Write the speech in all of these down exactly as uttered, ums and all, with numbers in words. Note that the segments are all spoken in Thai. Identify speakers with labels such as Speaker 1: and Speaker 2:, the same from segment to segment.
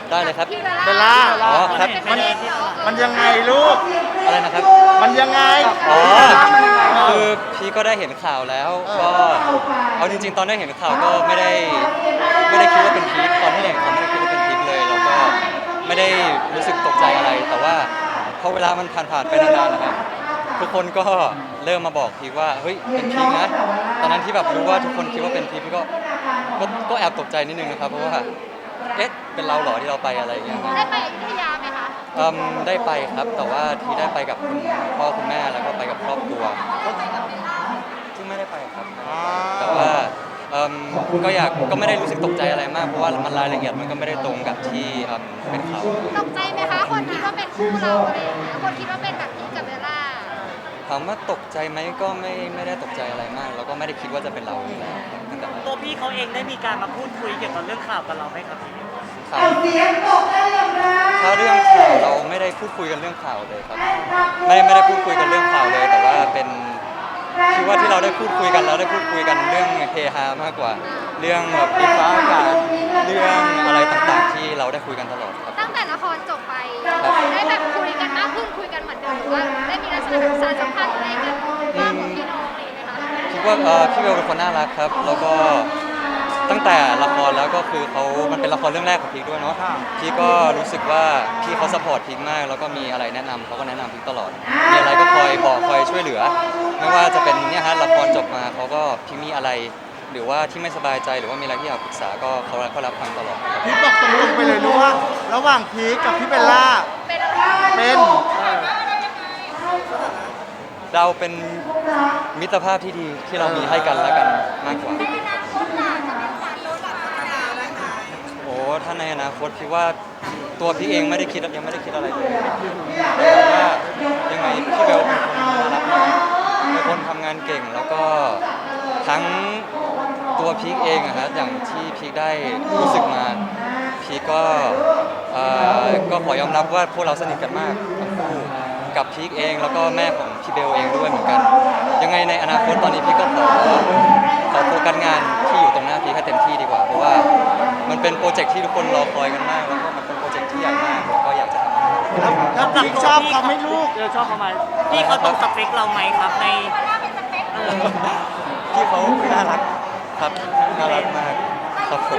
Speaker 1: ได้เลยครับ
Speaker 2: เบลล่า
Speaker 1: อ๋อครับ
Speaker 2: มันมันยังไงลูก
Speaker 1: อะไรนะครับ
Speaker 2: มันยังไง
Speaker 1: อ๋อคือพี่ก็ได้เห็นข่าวแล้วก็เอาจริงๆตอนได้เห็นข่าวก็ไม่ได้ไม่ได้คิดว่าเป็นพีคตอนที่เห็นข่าวไม่ได้คิดว่าเป็นพีคเลยแล้วก็ไม่ได้รู้สึกตกใจอะไร แต่ว่าพอเวลามันผ่านๆไปนานๆนะครับทุกคนก็เริ่มมาบอกพีคว่าเฮ้ยเป็นพีคนะตอนนั้นที่แบบรู้ว่าทุกคนคิดว่าเป็นพีคพี่ก็ก็ก็แอบตกใจนิดนึงนะครับเพราะว่าเอ๊ะเป็นเราเหรอที่เราไปอะไรอย่างเงี้ยครับ
Speaker 3: ได้ไปอยุธยาไหมคะ
Speaker 1: อืมได้ไปครับแต่ว่าที่ได้ไปกับคุณพ่อคุณแม่แล้วก็ไปกับครอบครัวซึ่งไม่ได้ไปครับแต่ว่าอืมก็อยากก็ไม่ได้รู้สึกตกใจอะไรมากเพราะว่ามันรายละเอียดมันก็ไม่ได้ตรงกับที่อืมเป็นข่าว
Speaker 3: ตกใจไหมคะ คนคิดว่าเป็นคู่เราอะไรอย่างเงี้ยคนคิดว่าเป็นแบบนี้กับเบลล่า
Speaker 1: ถามว่าตกใจไหมก็ไม่ไม่ได้ตกใจอะไรมาก แล้วก็ไม่ได้คิดว่าจะเป็นเราอยู่แล้วตั้งแต่แรก
Speaker 4: ตัวพี่เขาเองได้มีการมาพูดคุยเกี่ยวกับเรื่องข่าวกับเราไหมครับพี่
Speaker 1: ข่าวถ้าเรื่องข่าวเราไม่ได้พูดคุยกันเรื่องข่าวเลยครับไม่ไม่ได้พูดคุยกันเรื่องข่าวเลย แต่ว่าเป็นคิดว่าที่เราได้พูดคุยกันแล้วได้พูดคุยกันเรื่องเฮฮามากกว่า เรื่องแบบอินฟ้าอากาศเรื่องอะไรต่างๆ ที่เราได้คุยกันตลอดครับ
Speaker 3: ตั้งแต่ละครจบไป
Speaker 1: ครับ
Speaker 3: ได้แบบคุยกันมากขึ้นคุยกันเหมือนเดิมหรือว่าได้มีลักษณะแบบสารสัมพันธ์อะไรกันมากกว่าพี่น้องอะไรอย่างเงี้ยไหมคะ
Speaker 1: คิดว่าเอ่อพี่เบลเป็นคนน่ารักครับ แล้วก็ตั้งแต่ละครแล้วก็คือเขามันเป็นละครเรื่องแรกของพีคด้วยเนาะพี่ก็รู้สึกว่าพี่เขาสปอร์ตพีคมาก แล้วก็มีอะไรแนะนำเขาก็แนะนำพีคตลอด มีอะไรก็คอยบอกคอยช่วยเหลือ ไม่ว่าจะเป็นเนี่ยฮะละครจบมาเขาก็พี่มีอะไร หรือว่าที่ไม่สบายใจหรือว่ามีอะไรที่อยากปรึกษาก็เขาเขารับฟังตลอดครับ
Speaker 2: พีคบอกตรงๆไปเลยรู้ว่า ระหว่างพีคกับพี่เบลล่า
Speaker 3: เป็นอะไร
Speaker 2: เป็น
Speaker 1: เราเป็นมิตรภาพที่ดีที่เรามีให้กันและกันมากกว่า โอ้ถ้าในอนาคตพี่ว่าตัวพี่เองไม่ได้คิดยังไม่ได้คิดอะไรเลยแต่ว่ายังไงพี่เบลเป็นคนน่ารักมากเป็นคนทำงานเก่งแล้วก็ทั้งตัวพีคเองอะฮะอย่างที่พีคได้รู้สึกมาพีคก็เอ่อก็ขอยอมรับว่าพวกเราสนิทกันมากทั้งคู่กับพีคเองแล้วก็แม่ของพี่เบลเองด้วยเหมือนกัน ยังไงในอนาคตตอนนี้พี่ก็ขอขอโฟกัสงานที่อยู่ตรงหน้าพีคให้เต็มที่ดีกว่าเพราะว่ามันเป็นโปรเจกต์ที่ทุกคนรอคอยกันมากแล้วก็มันเป็นโปรเจกต์ที่ใหญ่มากแล้วก็อยากจะทำมัน
Speaker 2: แล้วแล้วพีคชอบเขาไหม่ลูก
Speaker 4: เออชอบเขาไหมพี่เขาตรงสเปคเราไหมครับในเออ
Speaker 1: พี่เขาน่ารักครับน่ารักมากครับผม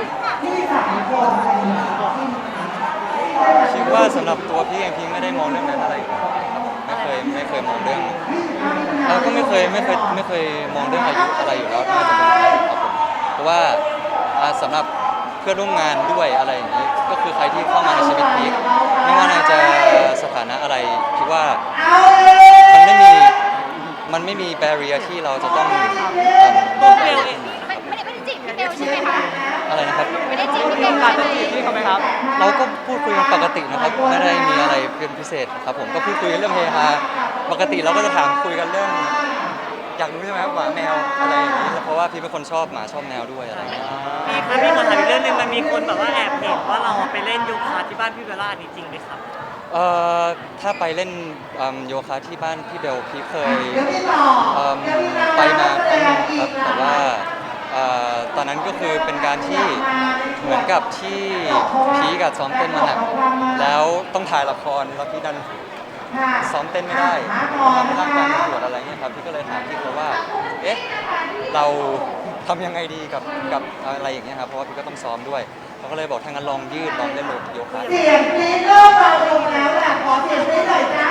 Speaker 1: คิดว่าสำหรับตัวพี่เองพี่ไม่ได้มองเรื่องนั้นอะไรอยู่แล้วครับไม่เคยไม่เคยมองเรื่องเราก็ไม่เคยไม่เคยไม่เคยมองเรื่องอายุอะไรอยู่แล้วน่าจะเป็นใครครับผมเพราะว่าอ่าสำหรับเพื่อนร่วมงานด้วยอะไรอย่างนี้ก็คือใครที่เข้ามาในชีวิตพีคไม่ว่าน่าจะสถานะอะไรคิดว่ามันไม่มีมันไม่มีแบเรียที่เราจะต้อง
Speaker 4: ตัวเบลเอง
Speaker 3: ไม่ไม่ได้ไม่ได้จีบพี่เบลใช่ไหมคะ
Speaker 1: อะไรนะครับ
Speaker 3: ไม่ได้จีบพี่เบลใช่ไหม
Speaker 4: พี่เขาไหมครับ
Speaker 1: เราก็พูดคุยกันปกตินะครับไม่ได้มีอะไรเป็นพิเศษครับผมก็พูดคุยกันเรื่องเฮฮาปกติเราก็จะถามคุยกันเรื่อง อยากรู้ใช่ไหมครับหมาแมวอะไรอย่างนี้เพราะว่าพี่เป็นคนชอบหมาชอบแมวด้วยอะไรอย่างเงี้ย
Speaker 4: พี่ครับพี่ขอถามอีกเรื่องหนึงมันมีคนแบบว่าแอบเห็นว่าเราไปเล่นโยคะที่บ้านพี่เบลล่านี่จริงไหมครับ
Speaker 1: เอ่อถ้าไปเล่นอืมโยคะที่บ้านพี่เบลพี่เคยอืมไปมาครั้งหนึงครับแต่ว่าเอ่อตอนนั้นก็คือเป็นการที่เหมือนกับที่พีกับซ้อมเต้นมาหนักแล้วต้องถ่ายละครแล้วพี่ดันซ้อมเต้นไม่ได้ทำให้ร่างกายมันปวดอะไรเงี้ยครับพี่ก็เลยถามพี่เขาว่าเอ๊ะเราทำยังไงดีกับกับอะไรอย่างเงี้ยครับเพราะว่าพี่ก็ต้องซ้อมด้วยเขาก็เลยบอกถ้างั้นลองยืดลองเล่นโยคะ
Speaker 5: เสียงกรี๊ดโลกเราลงแล้วล่ะขอเสียงได้หน่อยจ้า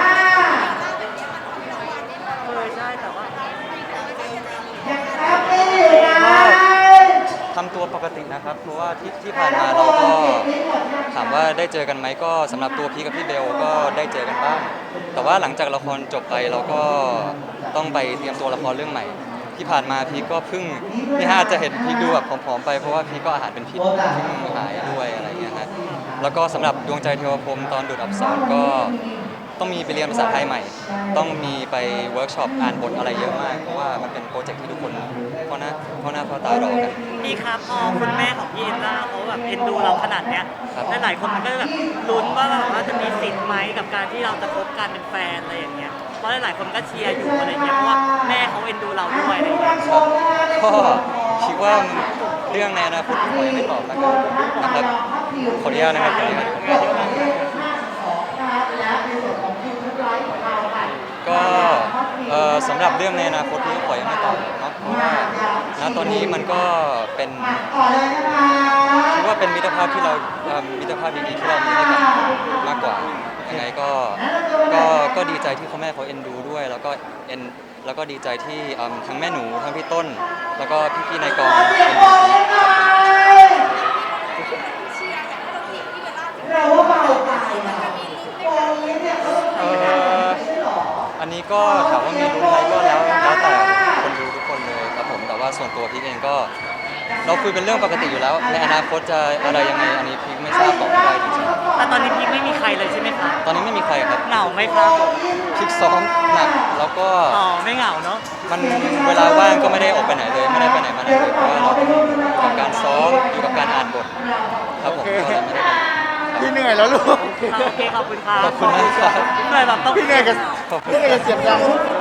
Speaker 4: เออใช่แต่ว่า
Speaker 5: ยังแป๊บไม่อยู่นะ
Speaker 1: ทำตัวปกตินะครับเพราะว่าที่ที่ผ่านมาเราก็ถามว่าได้เจอกันไหมก็สำหรับตัวพีคกับพี่เบลก็ได้เจอกันบ้างแต่ว่าหลังจากละครจบไปเราก็ต้องไปเตรียมตัวละครเรื่องใหม่ ที่ผ่านมาพีคก็เพิ่งนี่ฮะอาจจะเห็นพีคดูแบบผอมๆไปเพราะว่าพีคก็อาหารเป็นพิษเพิ่งหายด้วยอะไรอย่างเงี้ยฮะแล้วก็สำหรับดวงใจเทวพรหมตอนดูดอักษรก็ต้องมีไปเรียนภาษาไทยใหม่ ต้องมีไปเวิร์กช็อปอ่านบทอะไรเยอะมากเพราะว่ามันเป็นโปรเจกต์ที่ทุกคนเพราะหน้าเพราะหน้าเพราะตารอกัน
Speaker 4: พี่ครับพอคุณแม่ของพี่เอลล่าเขาแบบเอ็นดูเราขนาดเนี้ย
Speaker 1: ครับ
Speaker 4: หลายๆคนมันก็แบบลุ้นว่าแบบว่าจะมีสิทธิ์ไหมกับการที่เราจะคบกันเป็นแฟนอะไรอย่างเงี้ยเพราะหลายๆคนก็เชียร์อยู่อะไรเงี้ยเพราะว่าแม่เขาเอ็นดูเราด้วยอะไรเงี้ย
Speaker 1: ครับก็คิดว่าเรื่องในอนาคตที่ผมยังไม่ตอบแล้วกันนะครับขออนุญาตนะครับขออนุญาต ก็เอ่อสำหรับเรื่องในอนาคตนี้ขอยังไม่ตอบเนาะเพราะว่าณตอนนี้มันก็เป็นคิดว่าเป็นมิตรภาพที่เราเอ่อมิตรภาพดีๆที่เรามีให้กันมากกว่ายังไงก็ก็ก็ดีใจที่พ่อแม่เขาเอ็นดูด้วย แล้วก็เอ็นแล้วก็ดีใจที่เอิ่มทั้งแม่หนูทั้งพี่ต้น แล้วก็พี่ๆในกองเอ็นดู
Speaker 5: เราว่าเบาไปนะตอนนี้เนี่ย
Speaker 1: เอ่ออันนี้ก็ถามว่ามีรู้ไหมก็แล้วแล้วแต่คนดูทุกคนเลยครับผมแต่ว่าส่วนตัวพี่เองก็ เราคุยเป็นเรื่องปกติอยู่แล้ว ในอนาคตจะอะไรยังไงอันนี้พี่ไม่ทราบตอบไม่ได้จริง
Speaker 4: แต่ตอนนี้พีคไม่มีใครเลยใช่ไหมคะ
Speaker 1: ๆตอนนี้ไม่มีใครครับ
Speaker 4: เหงาไหมครับ
Speaker 1: พิกซ้อมหนักแล้วก็
Speaker 4: อ๋อไม่เหงาเนาะ
Speaker 1: มันเวลาว่างก็ไม่ได้ออกไปไหนเลยไม่ได้ไปไหนมาไหนเลยเพราะว่าเราอยู่กับการซ้อมอยู่กับการอ่านบทครับผมก็เลยไม่ได้ไป
Speaker 2: พี่เหนื่อยแล้วลูก
Speaker 4: โอเคขอบคุณครับ
Speaker 1: ขอบคุณมากครับ
Speaker 4: เหนื่อยแบบต้อง
Speaker 2: พี่เหนื่อยกับ
Speaker 1: ขอบคุณ
Speaker 2: พี่เหนื่อยกับเสียงดัง